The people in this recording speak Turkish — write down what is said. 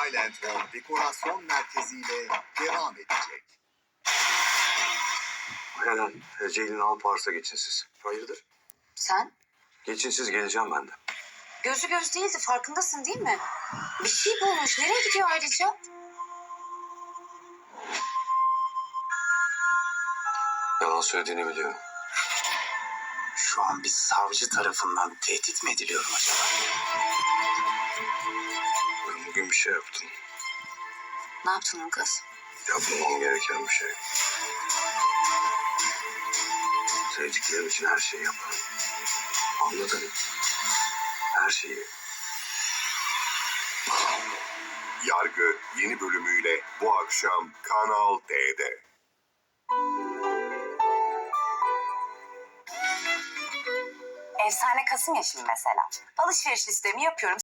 Highland Home Dekorasyon Merkezi ile devam edecek. Helen, Ceylin Alpars'a geçin siz. Hayırdır? Sen? Geçin siz, geleceğim ben de. Gözü göz değildi, farkındasın değil mi? Bir şey bulmuş. Nereye gidiyor ayrıca? Yalan söylediğini biliyorum. Şu an bir savcı tarafından tehdit mi ediliyorum acaba? Ben bugün bir şey yaptım. Ne yaptın lan kız? Yapmamam gereken bir şey. Sevdiklerim için her şeyi yaparım. Anladın mı? Her şeyi. Yargı yeni bölümüyle bu akşam Kanal D'de. Efsane Kasım ya şimdi mesela. Alışveriş listemi yapıyorum.